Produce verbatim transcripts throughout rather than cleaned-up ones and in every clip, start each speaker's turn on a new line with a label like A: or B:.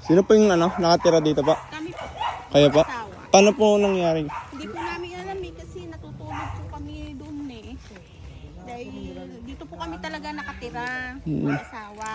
A: Sino po yung ano, nakatira dito pa?
B: Kami po,
A: Kaya pa?
B: asawa.
A: Paano po nangyari?
B: Hindi po namin alam eh kasi natutulog po kami doon eh. Dahil dito po kami talaga nakatira,
A: Hmm.
B: mag-asawa.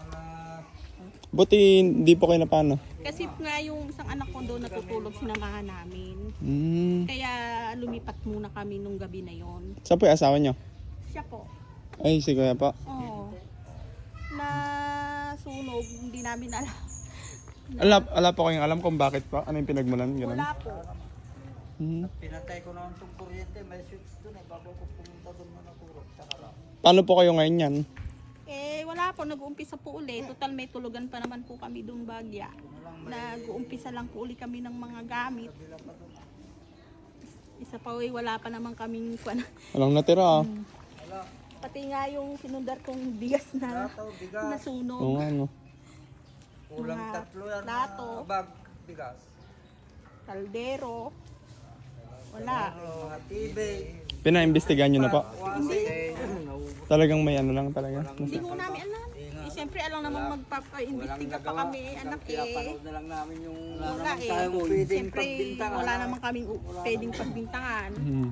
A: Buti hindi po kayo na paano?
B: Kasi nga yung isang anak ko doon natutulog, sinamahan namin.
A: Hmm.
B: Kaya lumipat muna kami nung gabi na yon.
A: Saan po yung asawa niyo?
B: Siya po.
A: Ay, si Kuya pa.
B: Oo. Na sunog, hindi namin alam.
A: Ala, ala po kayong alam kung bakit pa? Ano yung pinagmulan? Ganun?
B: Wala po.
A: Hmm.
C: Pinatay ko naman itong kuryente, may switch doon eh, bago ko pumunta doon na natulog sa harap.
A: Paano po kayo ngayon yan?
B: Eh, wala po. Nag-uumpisa po uli. Total, may tulugan pa naman po kami doon bagya. Nag-uumpisa lang po uli kami ng mga gamit. Isa pa uwi, wala pa naman kaming kwan.
A: Walang natira ah.
B: Pati nga yung sinundar kong bigas na
C: Plato, bigas,
B: nasunog.
A: Oo nga no.
C: kulang
B: mga
C: tatlo yan
B: plato.
C: na bag bigas.
B: Kaldero. Wala.
C: Mga T V,
A: Pinaimbestigahan nyo na po.
C: wasi.
A: Talagang may ano lang talaga.
B: Hindi mo namin alam. Eh, siyempre, alam namang magpapa-imbestiga pa kami, anak eh.
C: Pinapanood na lang namin yung
B: Wala eh.
C: tayong pwedeng
B: Siyempre,
C: pagbintangan.
B: wala namang kaming u- pwedeng pagbintangan.
A: Hmm.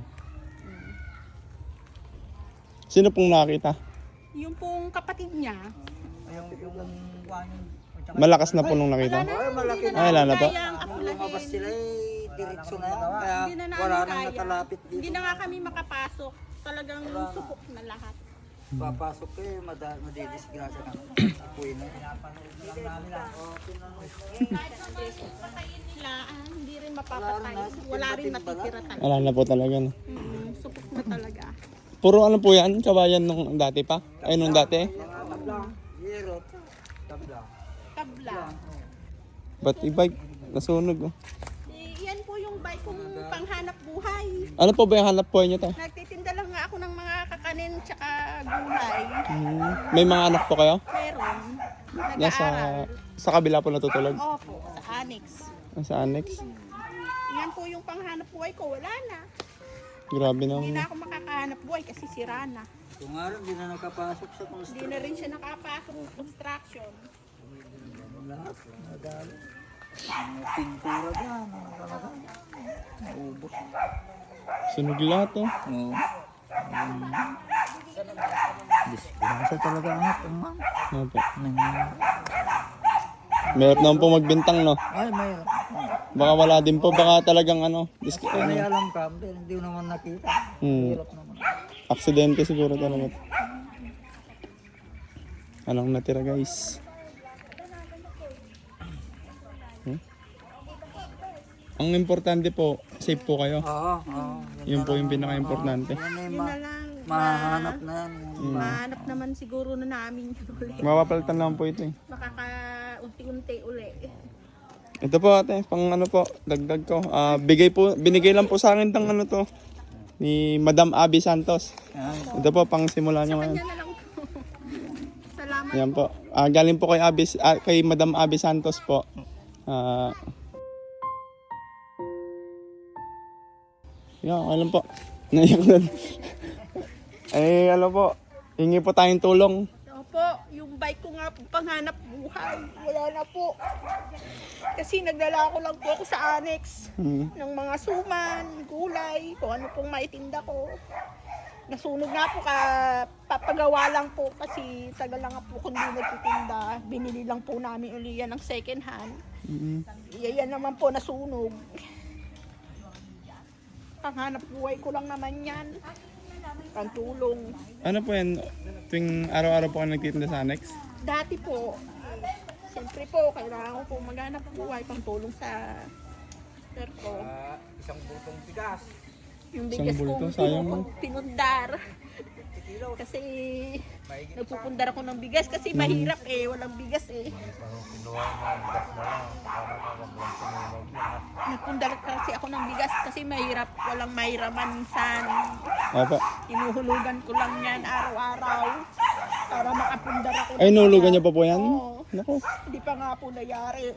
A: Sino pong nakakita?
B: Yung pong kapatid niya,
C: Yung, yung, yung,
A: Malakas na po nung nakita.
C: Ay, malaki na.
A: Ay, wala na po.
B: kayang
C: Lumabas
B: akulahin.
C: sila eh, diretso na yan. Kaya
B: Hindi na namin
C: wala nang
B: kaya.
C: nakalapit dito.
B: Hindi na nga kami makapasok. Talagang supok na lahat.
C: Papasok ko eh, mada- madidisgrasya na. Apoy na. Pinapanood na lang namin ah. Oh, pinanood.
B: Sila, ah, hindi rin mapapatay. Wala rin matitira talaga.
A: Wala na po talaga. No?
B: Mm, supok na talaga.
A: Puro ano po yan? Kabayan nung dati pa? Ay, nung dati?
C: Mga tabla, yero, tabla.
B: Tabla.
A: Ba't i-bike? Nasunog oh.
B: Eh, yan po yung bike kong panghanap buhay.
A: Ano po ba yung hanap buhay nyo tayo?
B: Nagtitinda lang nga ako ng mga kakanin tsaka gulay.
A: Hmm. May mga anak po kayo?
B: Meron.
A: Nasa,
B: Nag-aaral.
A: sa kabila po natutulog?
B: Opo, sa annex.
A: Sa annex?
B: Yan po yung panghanap buhay ko. Wala na.
A: Grabe
B: Hindi
A: na.
B: na ako makakahanap buhay kasi sira na.
C: Kung nga rin, di na nakapasok sa
B: Hindi
C: construction.
B: na rin siya nakapasok ng construction.
C: Lahat, madali. Mga pintura dyan, ano talaga. Naubos.
A: Sunog lahat oh.
C: Oo. Disgrasya talaga ang hapon man.
A: Ano po?
C: Nang-
A: Mahirap naman po magbintang no.
C: Ay, may...
A: Baka wala din po. Baka talagang ano. Dis-
C: Kung may alam ka, pero hindi mo naman nakita.
A: hmm.
C: Hirap naman.
A: Aksidente siguro talaga. Anong natira guys? Hmm? Ang importante po, safe po kayo.
C: Oo, oo.
A: Yun po yung pinaka-importante.
C: Yan ay
B: Yun
C: ma-
B: na lang.
C: mahanap na yan.
B: Mahanap naman siguro na namin yun ulit.
A: Mapapalitan naman po ito eh.
B: Makaka-unti-unti uli.
A: Ito po ate, pang ano po, dagdag ko. Ah, bigay po, binigay lang po sa akin ng ano to. Ni Madam Abby Santos.
C: Yan.
A: Ito po, pang simula nyo ngayon.
B: Kanya na lang po. Salamat.
A: Yan po. Ah, galing po kay Abby, ah, kay Madam Abby Santos po. Ah, yan, alam po. Naiyak na. Eh, ano po, hingi po tayong tulong.
B: Opo, yung bike ko nga po panghanap buhay. Wala na po. Kasi nagdala ko lang po ako sa annex
A: Hmm.
B: ng mga suman, gulay, kung ano pong maitinda ko. Nasunog nga po, ka, papagawa lang po kasi tagal lang nga po kung hindi nagtitinda. Binili lang po namin uli yan ng second hand.
A: Mm.
B: Yan naman po nasunog. Panghanap buhay ko lang naman yan. Pantulong.
A: Ano po yan, tuwing araw-araw po kayo nagtitinda sa annex?
B: Dati po, siyempre po, kailangan ko po maghanap buhay pantulong sa sister ko.
C: Ah, isang butong bigas.
B: Yung
A: Isang
B: bigas
A: bulto,
B: kong
A: sayang
B: pinun- pinundar. Kasi nagpupundar ako ng bigas kasi mahirap eh, walang bigas eh. Nagpundar kasi ako ng bigas kasi mahirap, walang mahiraman minsan.
A: Opo.
B: Inuhulugan ko lang yan araw-araw para makapundar ako.
A: Ay, nulugan niyo pa po yan?
B: Oo.
A: Naku.
B: Hindi pa nga po nayari.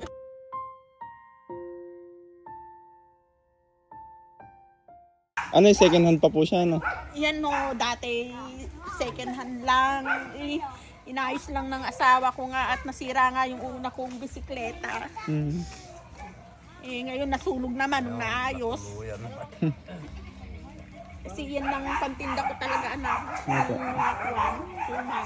A: Ano yung second hand pa po siya, no?
B: Yan no, dati second hand lang. I, Inayos lang ng asawa ko nga at nasira nga yung una kong bisikleta.
A: Mm.
B: Eh, ngayon nasunog naman nung naayos. Kasi yan lang pantinda ko talaga, anak.
A: Opo.
B: Yung mga kuwan, suman.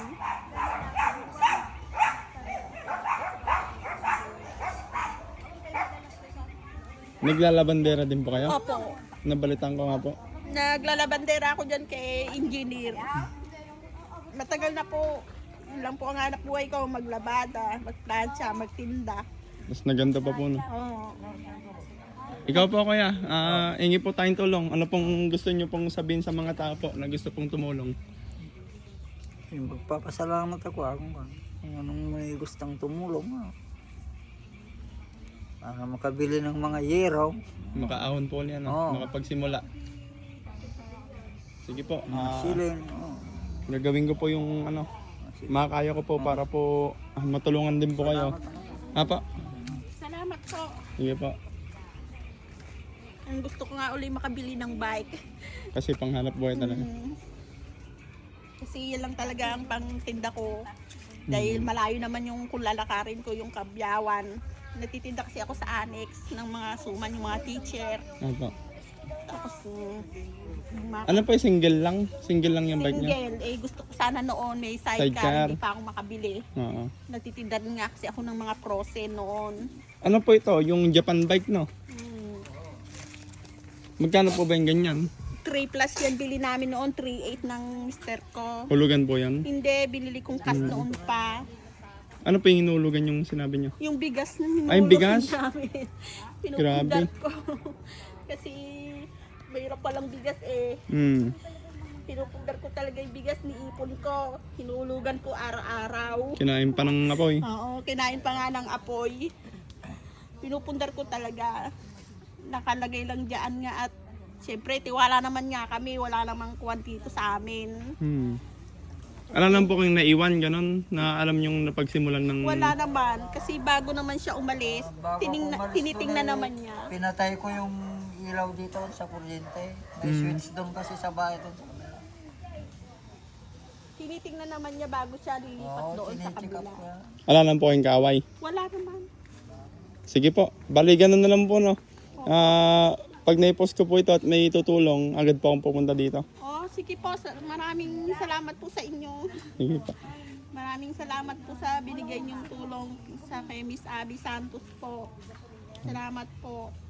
A: Naglalabandera din po kayo?
B: Opo.
A: Nabalitan ko nga po.
B: Naglalabandera ako dyan kay engineer. Matagal na po. Yun lang po ang hanap buhay ko. Maglabada, magplansya, magtinda.
A: Mas naganda pa po no.
B: Oo.
A: Ikaw po kuya, ah, ingi po tayong tulong. Ano pong gusto niyo pong sabihin sa mga tao po na gusto pong tumulong?
C: Yung magpapasalamat ako ah, kung, kung anong may gustang tumulong. Ah. Para makabili ng mga yero.
A: Makaahon po niya, no?
C: Oo.
A: Makapagsimula. Sige po,
C: Mga
A: ah,
C: siling. Oh.
A: gagawin ko po yung ano, makakaya ko po para po ah, matulungan din po kayo. Apa?
B: Salamat po.
A: Sige po.
B: Ang gusto ko nga uli makabili ng bike.
A: Kasi panghanap buhay talaga.
B: Mm. Kasi yan lang talaga ang pangtinda ko. Dahil malayo naman yung kung lalakarin ko yung Kabyawan. Natitinda kasi ako sa annex ng mga suman, yung mga teacher.
A: Apa.
B: Tapos, mm, yung mga
A: Ano po, single lang? Single lang yung bike niya?
B: single. Eh, gusto ko sana noon may sidecar,
A: Sidecar.
B: hindi pa ako makabili.
A: Oo.
B: Natitinda rin nga kasi ako ng mga prose noon.
A: Ano po ito? Yung Japan bike, no?
B: Mm.
A: Magkano po ba yung ganyan?
B: three plus yan bili namin noon, three eight ng mister ko.
A: Hulugan po yan?
B: Hindi, binili kong cash noon pa.
A: Ano po yung hinulugan yung sinabi niyo?
B: Yung bigas na hinulog
A: Ay, yung bigas?
B: namin.
A: Grabe.
B: Pinupundar ko. Kasi mayroon palang bigas eh.
A: Hmm.
B: Pinupundar ko talaga yung bigas ni ipon ko. Hinulugan ko araw-araw.
A: Kinain pa ng apoy.
B: Oo, kinain pa nga ng apoy. Pinupundar ko talaga. Nakalagay lang dyan nga at siyempre tiwala naman nga kami. Wala namang kuwan dito sa amin.
A: Hmm. Alam lang po kayong naiwan, ganun, na alam yung napagsimulan ng...
B: Wala naman. Kasi bago naman siya umalis,
C: Bago
B: tining,
C: ako umalis
B: tinitingnan
C: doon, eh,
B: naman niya.
C: Pinatay ko yung ilaw dito sa kuryente. May
A: Mm.
C: switch doon kasi sa bahay doon sa kabila.
B: Tinitingnan naman niya bago siya lilipat
C: Oo,
B: doon sa
C: tinicheck up
B: kabila.
C: ko yan.
A: Alam lang po kayong kaaway.
B: Wala naman.
A: Sige po, bali ganun na lang po, no? Ah, pag naipost ko po ito at may tutulong, agad po akong pupunta dito.
B: Oh, sige po. sa- Maraming salamat po sa inyo.
A: Sige po.
B: Maraming salamat po sa binigay niyong tulong sa kay Miss Abby Santos po. Salamat po.